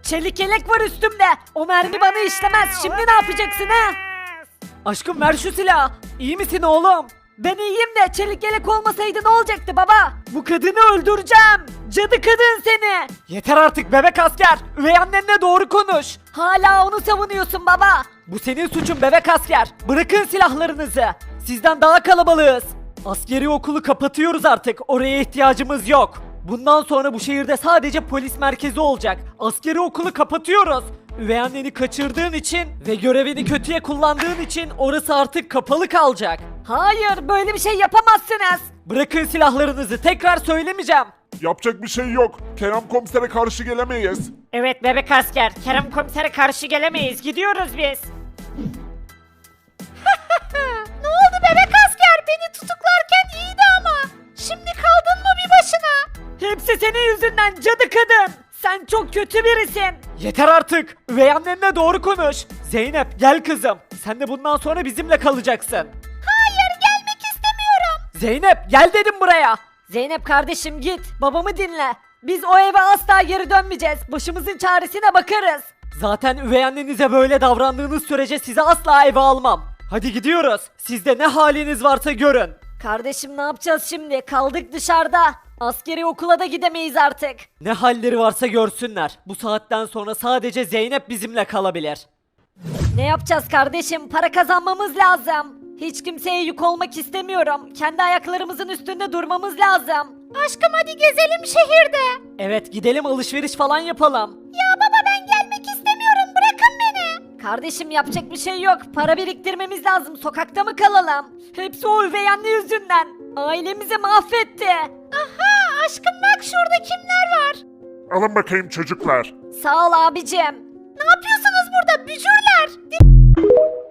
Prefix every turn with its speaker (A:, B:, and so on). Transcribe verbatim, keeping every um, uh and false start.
A: Çelik yelek var üstümde. O mermi bana işlemez. Şimdi ne yapacaksın ha? Aşkım ver şu silahı. İyi misin oğlum? Ben iyiyim de çelik yelek olmasaydı ne olacaktı baba? Bu kadını öldüreceğim. Cadı kadın seni. Yeter artık bebek asker. Üvey annenle doğru konuş. Hala onu savunuyorsun baba. Bu senin suçun bebek asker. Bırakın silahlarınızı. Sizden daha kalabalığız. Askeri okulu kapatıyoruz artık. Oraya ihtiyacımız yok. Bundan sonra bu şehirde sadece polis merkezi olacak. Askeri okulu kapatıyoruz. Üvey anneni kaçırdığın için ve görevini kötüye kullandığın için orası artık kapalı kalacak. Hayır, böyle bir şey yapamazsınız. Bırakın silahlarınızı, tekrar söylemeyeceğim.
B: Yapacak bir şey yok. Kerem komisere karşı gelemeyiz.
A: Evet bebek asker, Kerem komisere karşı gelemeyiz. Gidiyoruz biz. Ne oldu bebek asker? Beni tutuklarken iyiydi ama. Şimdi kaldın mı bir başına? Hepsi senin yüzünden cadı kadın. Sen çok kötü birisin. Yeter artık. Üvey annenle doğru konuş. Zeynep gel kızım. Sen de bundan sonra bizimle kalacaksın. Hayır gelmek istemiyorum. Zeynep gel dedim buraya. Zeynep kardeşim git. Babamı dinle. Biz o eve asla geri dönmeyeceğiz. Başımızın çaresine bakarız. Zaten üvey annenize böyle davrandığınız sürece sizi asla eve almam. Hadi gidiyoruz. Sizde ne haliniz varsa görün. Kardeşim ne yapacağız şimdi? Kaldık dışarıda. Askeri okula da gidemeyiz artık. Ne halleri varsa görsünler. Bu saatten sonra sadece Zeynep bizimle kalabilir. Ne yapacağız kardeşim? Para kazanmamız lazım. Hiç kimseye yük olmak istemiyorum. Kendi ayaklarımızın üstünde durmamız lazım. Aşkım hadi gezelim şehirde. Evet gidelim alışveriş falan yapalım. Ya baba ben gelmek istemiyorum. Bırakın beni. Kardeşim yapacak bir şey yok. Para biriktirmemiz lazım. Sokakta mı kalalım? Hepsi o üvey anne yüzünden. Ailemizi mahvetti. Aha aşkım bak şurada kimler var?
B: Alın bakayım çocuklar.
A: Sağ ol abicim. Ne yapıyorsunuz burada bücürler?